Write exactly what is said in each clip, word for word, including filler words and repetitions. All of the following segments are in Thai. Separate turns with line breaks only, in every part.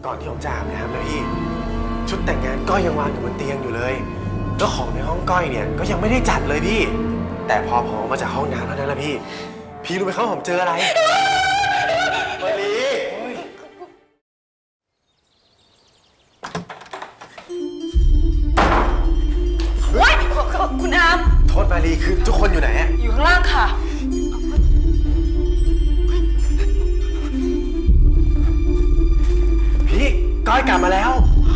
ก่อนที่ผมจะอาบน้ำนะพี่ชุดแต่งงานก้อยยังวางอยู่บนเตียงอยู่เลยแล้วของในห้องก้อยเนี่ยก็ยังไม่ได้จัดเลยพี่แต่พอผมออกมาจากห้องน้ำแล้วนั่นแหละพี่พี่รู้ไหมครับผมเจออะไรมาลี
ว้ายคุณอาม
โทษมาลีคือทุกคนอยู่ไหนอะ
อยู่ข้างล่างค่ะ
พี่ก้อยกลับมาแล้ว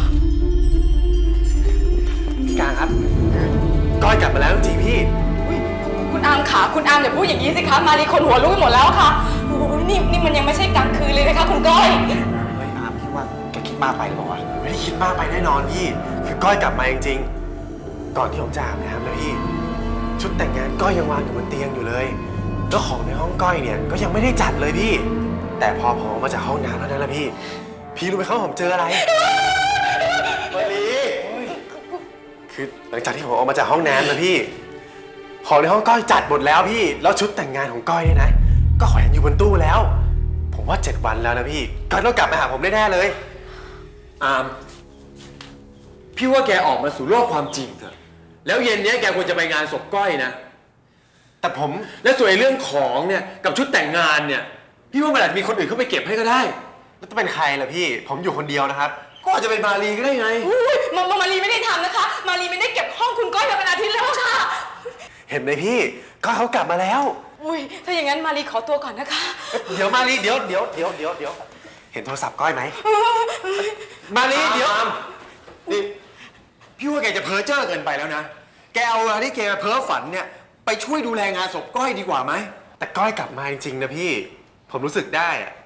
พี่กลางครับก้อยกลับมาแล้วจริงๆพี่
คุณอามขาคุณอามอย่าพูดอย่างนี้สิคะมารีคนหัวลุกไปหมดแล้วค่ะโอ้ยนี่นี่มันยังไม่ใช่กลางคืนเลยนะคะคุณก้อย
เฮ้ยอามคิดว่าแกคิดมากไปหรือเปล่าวะไม่ได้คิดมากไปแน่นอนพี่คือก้อยกลับมาจริงๆก่อนที่ผมจะอาบน้ำนะพี่ชุดแต่งงานก้อยยังวางอยู่บนเตียงอยู่เลยแล้วของในห้องก้อยเนี่ยก็ยังไม่ได้จัดเลยพี่แต่พอผมออกมาจากห้องน้ำแล้วนั่นแหละพี่พี่รู้ไหมครับผมเจออะไรมาลีคือหลังจากที่ผมออกมาจากห้องน้ำนะพี่ของในห้องก้อยจัดหมดแล้วพี่แล้วชุดแต่งงานของก้อยเนี่ยนะก็แขวนอยู่บนตู้แล้วผมว่าเจ็ดวันแล้วนะพี่ก้อยต้องกลับมาหาผมแน่ๆเลย
อามพี่ว่าแกออกมาสู่โลกความจริงเถอะแล้วเย็นนี้แกควรจะไปงานศพก้อยนะ
แต่ผม
และส่วนเรื่องของเนี่ยกับชุดแต่งงานเนี่ยพี่ว่ามันอาจจะมีคนอื่นเข้าไปเก็บให้ก็ได้
แล้วจะเป็นใครล่ะพี่ผมอยู่คนเดียวนะครับ
ก็อาจจะเป็นมาลีก็ได้ไง
มามารีไม่ได้ทำนะคะมารีไม่ได้เก็บห้องคุณก้อยมาเป็นอาทิตย์แล้วค่ะ
เห็นไหมพี่ก้อยเขากลับมาแล้ว
อุ้ยถ้าอย่างนั้นมารีขอตัวก่อนนะคะ
เดี๋ยวมาลีเดี๋ยวเดี๋ยวเดี๋ยวเดี๋ยวเดี๋ยวเห็นโทรศัพท์ก้อยไหมมาลีเดี๋ยว
นี่พี่ว่าแกจะเพ้อเจ้อเกินไปแล้วนะแกเอาเวลาที่แกเพ้อฝันเนี่ยไปช่วยดูแลงานศพก้อยดีกว่าไหม
แต่ก้อยกลับมาจริงๆนะพี่ผมรู้สึกได้อะ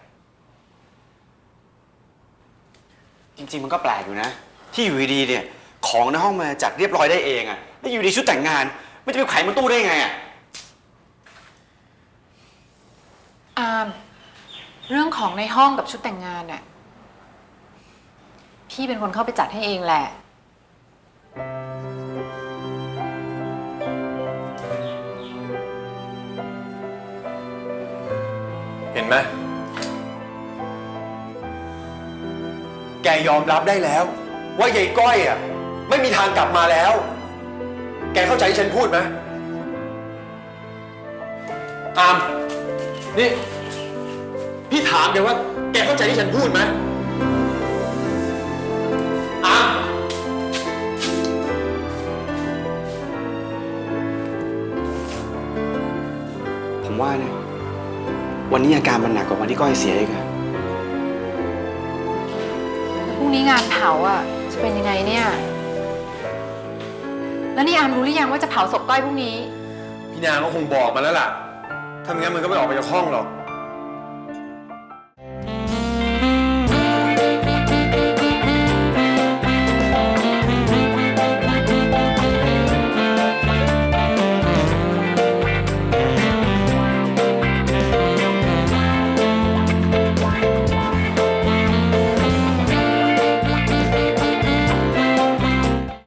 จริงๆมันก็แปลกอยู่นะที่อยู่ดีๆเนี่ยของในห้องมาจัดเรียบร้อยได้เองอะแล้วอยู่ดีชุดแต่งงานไม่จะไปไขมันตู้ได้ไงอะ
อามเรื่องของในห้องกับชุดแต่งงานน่ะพี่เป็นคนเข้าไปจัดให้เองแหละ
เห็นไหมแกยอมรับได้แล้วว่ายายก้อยอ่ะไม่มีทางกลับมาแล้วแกเข้าใจที่ฉันพูดไหมอามนี่พี่ถามแกว่าแกเข้าใจที่ฉันพูดไหมอาม
ผมว่านะวันนี้อาการมันหนักกว่าวันที่ก้อยเสียอีกอะ
พรุ่งนี้งานเผาอ่ะจะเป็นยังไงเนี่ยแล้วนี่อามรู้หรือยังว่าจะเผาศพก้อยพรุ่งนี้
พี่นางก็คงบอกมาแล้วล่ะถ้าไม่งั้นมันก็ไม่ออกไปจากห้องหรอก